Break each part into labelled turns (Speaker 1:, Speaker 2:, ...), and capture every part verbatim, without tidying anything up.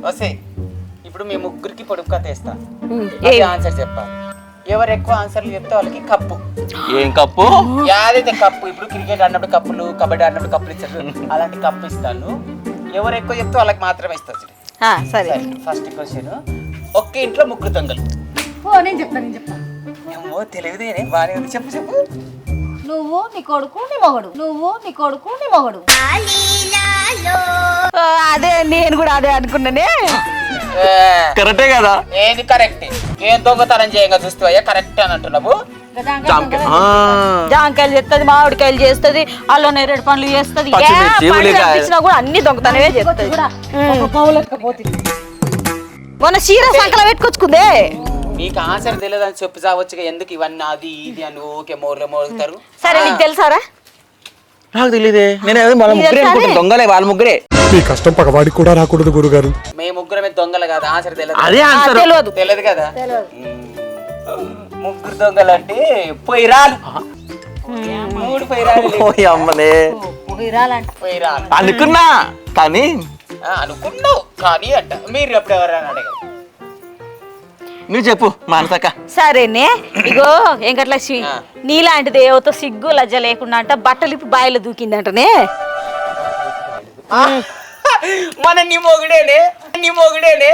Speaker 1: వస్తే ఇప్పుడు మీ ముగ్గురికి పొడుపు కథ వేస్తా ఆన్సర్ చెప్పాలి ఎవరు ఎక్కువ ఆన్సర్లు చెప్తే వాళ్ళకి కప్పు
Speaker 2: ఏం కప్పు
Speaker 1: యాదైతే కప్పు ఇప్పుడు క్రికెట్ ఆడినప్పుడు కప్పులు కబడ్డీ ఆడినప్పుడు కప్పులు ఇస్తారు అలాంటి కప్పు ఇస్తాను ఎవరు ఎక్కువ చెప్తే వాళ్ళకి మాత్రమే ఇస్తారు
Speaker 3: సరే
Speaker 1: ఫస్ట్ క్వశ్చన్ ఒక్క ఇంట్లో ముగ్గురు దొంగలు
Speaker 3: నేను చెప్తా నేను చెప్తా
Speaker 1: ఏమో తెలియదేనే బాగానే ఉంది చెప్పు చెప్పు
Speaker 3: నువ్వు నీ కొడుకు నీ మొగడు నువ్వు నీ కొడుకు నీ మొగడు అదే నేను కూడా అదే అనుకున్నానే
Speaker 2: కరెక్టే కదా
Speaker 1: ఏది కరెక్ట్ ఏం దొంగతనం చేయంగా చూస్తావయ్యా కరెక్ట్ అని అంటున్నావు
Speaker 3: జాంకాయలు చేస్తుంది మామిడికాయలు చేస్తుంది అల్లం నేరేడు పనులు చేస్తుంది కూడా అన్ని దొంగతనమే చేస్తుంది మొన్న చీర సంకల పెట్టుకొచ్చుకుందే
Speaker 1: మీకు ఆన్సర్ తెలియదని చెప్పి చావచ్చు ఎందుకు ఇవన్నీ అది ఇది అని ఓకే మోర్లు మోగుతారు
Speaker 3: సరే నీకు తెలుసారా
Speaker 2: నాకు తెలియదే నేను వాళ్ళ ముగ్గురే అనుకుంటాను దొంగలే వాళ్ళ ముగ్గురే
Speaker 4: మీ కష్టం పగవాడికి కూడా రాకూడదు గురుగారు
Speaker 1: మేము ముగ్గురమే దొంగలు కదా ఆన్సర్ తెలియదు
Speaker 2: అదే ఆన్సర్
Speaker 3: తెలియదు
Speaker 1: తెలియదు కదా ముగ్గురు దొంగలు అంటే పొయ్యిరాలు మూడు పొయ్యిరాలు
Speaker 2: అమ్మలే
Speaker 1: పొయ్యిరాలు
Speaker 2: అనుకున్నా కానీ
Speaker 1: అనుకున్నావు కానీ అంట మీరు ఎప్పుడు ఎవరైనా అడగరు
Speaker 2: నువ్వు చెప్పు మానసక్క
Speaker 3: సరేనే ఇగో వెంకటలక్ష్మి నీలాంటిది ఏవతో సిగ్గు లజ్జ లేకుండా అంట బట్టలు ఇప్పి బాయిలో దూకిందంటనే
Speaker 1: మన నీ మొగుడేనే నీ మొగుడేనే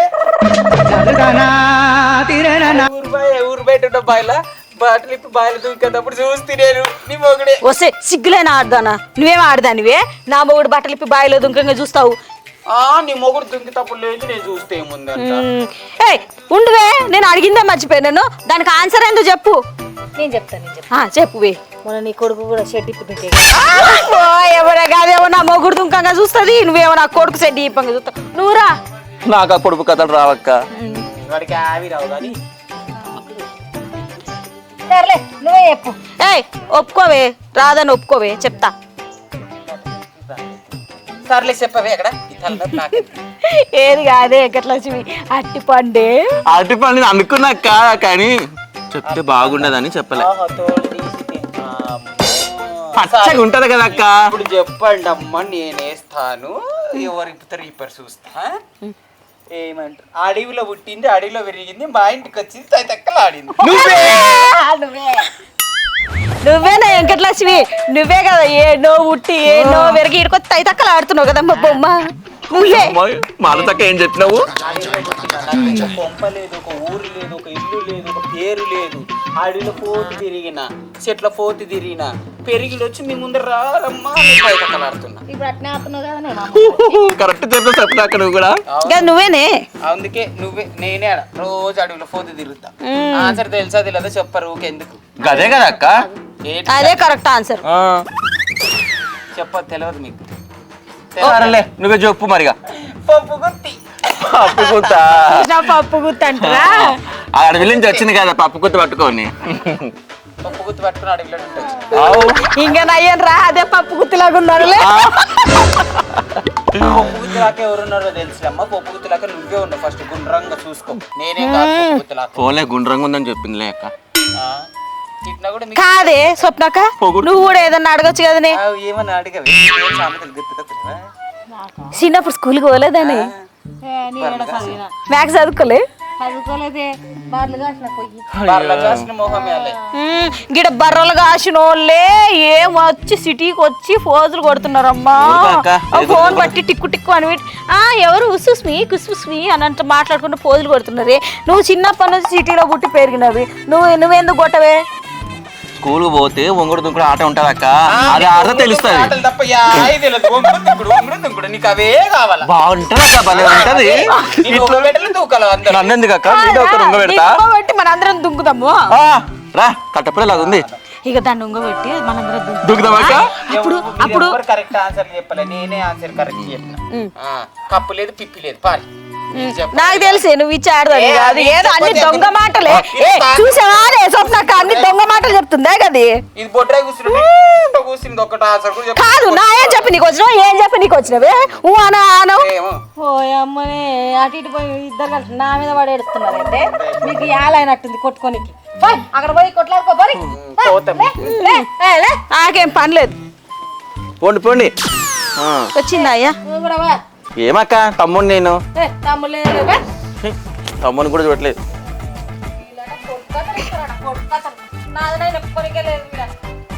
Speaker 1: ఊరు బయ ఊరు బయట ఉన్న బాయిల బట్టలు ఇప్పి బాయిలు దూకేటప్పుడు చూస్తే నేను నీ మొగుడే
Speaker 3: వస్తే సిగ్గులేనా ఆడదానా నువ్వేం ఆడదానివే నా మొగుడు బట్టలు ఇప్పి బాయిలో దుంకంగా చూస్తావు
Speaker 1: ఆ నీ మొగుడు దుంకితప్పుడు లేదు నేను చూస్తే ఏముందంట
Speaker 3: ఏయ్ ఉండువే నేను అడిగిందే మర్చిపోయాను దానికి ఆన్సర్ ఏందో చెప్పు నేను చెప్తాను నేను చెప్తా చెప్పువే మన నీ కొడుకు కూడా షెడ్ ఇప్పుతుంటే ఎవరే కాదేమో నా మొగుడు దుంకంగా చూస్తుంది నువ్వేమో నా కొడుకు షెడ్ ఇప్పంగా చూస్తావు నువ్వురా
Speaker 2: నాకు ఆ పొడుపు కథలు రావక్క
Speaker 1: వాడికి ఆవి రావు కానీ
Speaker 3: సర్లే నువ్వే చెప్పు ఏయ్ ఒప్పుకోవే రాదని ఒప్పుకోవే చెప్తా
Speaker 1: సర్లే చెప్పవే అక్కడ
Speaker 3: ఏది కాదే వెంకటలక్ష్మి అట్టి పండే
Speaker 2: అరటి పండు అనుకున్నాక కానీ చెప్తే బాగుండదని చెప్పలే పచ్చగా ఉంటది కదా అక్క
Speaker 1: ఇప్పుడు చెప్పండి అమ్మ నేనేస్తాను ఎవరు ఇప్పుతారు ఇప్పరు చూస్తా ఏమంటారు అడవిలో పుట్టింది అడవిలో పెరిగింది మా ఇంటికి వచ్చింది తైతక్కలు ఆడింది
Speaker 3: నువ్వేనా వెంకటలక్ష్మి నువ్వే కదా ఏనో ఉట్టి ఏనో వెరిగి ఇడుకొచ్చి తైతక్కలు ఆడుతున్నావు కదమ్మా బొమ్మ నువ్వే
Speaker 2: మానసక్క ఏం చెప్పినావు
Speaker 1: ఒక కొంప లేదు ఒక ఊరు లేదు ఒక ఇల్లు లేదు ఒక పేరు లేదు అడవిలో పోతి తిరిగిన చెట్ల పోతి తిరిగిన పెరిగిలు వచ్చి మీ ముందర రారమ్మా తైతక్కలు ఆడుతున్నా
Speaker 2: కరెక్ట్ చెప్పిన చెప్పినాక నువ్వు కూడా
Speaker 3: నువ్వేనే
Speaker 1: అందుకే నువ్వే నేనే ఆడ రోజు అడవిలో పోతి తిరుగుతా ఆన్సర్ తెలుసా తెలియదో చెప్పరు ఊకెందుకు
Speaker 2: అదే కదా అక్క
Speaker 3: అదే కరెక్ట్ ఆన్సర్
Speaker 1: చెప్పదు తెలియదు మీకు
Speaker 2: సరేలే నువ్వే చెప్పు మరిగా
Speaker 1: పప్పు గుత్తి
Speaker 2: పప్పు గుత్త
Speaker 3: పప్పు గుత్తి అంటారా
Speaker 2: అడవి నుంచి వచ్చింది కదా పప్పు గుత్త పట్టుకొని
Speaker 1: పప్పు గుత్తి పట్టుకుని అడవిలో ఉంటుంది
Speaker 3: ఇంకా నయ్యను రా అదే పప్పు గుత్తిలాగా ఉన్నాడులే
Speaker 1: పప్పు గుత్తిలాక ఎవరున్నారో తెలుసులమ్మా పప్పు గుత్తిలాక నువ్వే ఉన్నావు ఫస్ట్ గుండ్రంగా చూసుకో నేనే కాదు పప్పు గుత్తిలాక
Speaker 2: ఫోన్లే గుండ్రంగా ఉందని చెప్పిందిలే అక్క
Speaker 3: కాదే స్వప్నక్క నువ్వు కూడా ఏదన్నా అడగచ్చు కదనే
Speaker 1: ఏమన్నా అడిగవి సామెతలు గుర్తుకొచ్చినవా
Speaker 3: చిన్నప్పుడు స్కూల్కి పోలేదని మ్యాథ్స్ చదువుకోలే గిడ బర్రలు కాసిన వాళ్ళే ఏం వచ్చి సిటీకి వచ్చి ఫోజులు కొడుతున్నారమ్మా ఫోన్ బట్టి టిక్కు టిక్కు అని ఆ ఎవరు ఉసుస్మి కుసుస్మి అని అంటే మాట్లాడుకుంటూ ఫోజులు కొడుతున్నారు నువ్వు చిన్నప్పటి నుంచి సిటీలో పుట్టి పెరిగినవి నువ్వు నువ్వెందుకు కొట్టవే
Speaker 2: స్కూల్ పోతే ఒంగుడు దుంకుడు ఆట ఉంటది అక్క అది ఆట తెలుస్తుంది బాగుంటది అక్క భలే ఉంటది నన్నెందుకు అక్క ఉంగ పెడతా
Speaker 3: మనందరం దుంకుదాము
Speaker 2: రా కట్టపడేలా ఉంది
Speaker 3: ఇక దాన్ని ఉంగ పెట్టి మనందరం
Speaker 2: దుంకుదాం అక్క
Speaker 3: అప్పుడు అప్పుడు
Speaker 1: కరెక్ట్ ఆన్సర్ చెప్పలే నేనే ఆన్సర్ కరెక్ట్ చెప్పిన కప్పు లేదు పిప్పి లేదు పారి
Speaker 3: నాకు తెలిసే నువ్వు ఇచ్చాడదని కాదు ఏదో అన్ని దొంగ మాటలే చూసావా స్వప్నక్క అన్ని దొంగ మాటలు చెప్తుందే కది
Speaker 1: ఇది బొడ్రాయి కూర్చుంది ఒకటి ఆన్సర్
Speaker 3: కాదు నా ఏం చెప్పి నీకు వచ్చినావు ఏం చెప్పి నీకు వచ్చినవే ఊ అనా అనవు ఓ అమ్మనే అటు ఇటు పోయి ఇద్దరు కలిసి నా మీద పడి ఏడుస్తున్నారు అయితే మీకు యాలైనట్టుంది కొట్టుకోనికి అక్కడ పోయి కొట్లాడుకో నాకేం పని లేదు
Speaker 2: పోండి పోండి
Speaker 3: వచ్చిందా అయ్యా
Speaker 2: ఏమక్క తమ్ముడు నేను
Speaker 3: ఏ, తమ్ముళ్ళు లేరు, బే.
Speaker 2: తమ్ముని కూడా చూడలేదు.
Speaker 3: వీళ్ళట కొడుకతలు ఇస్తారట, కొడుకతలు. నాదనైనా ఎప్పటికే లేదు వీళ్ళ.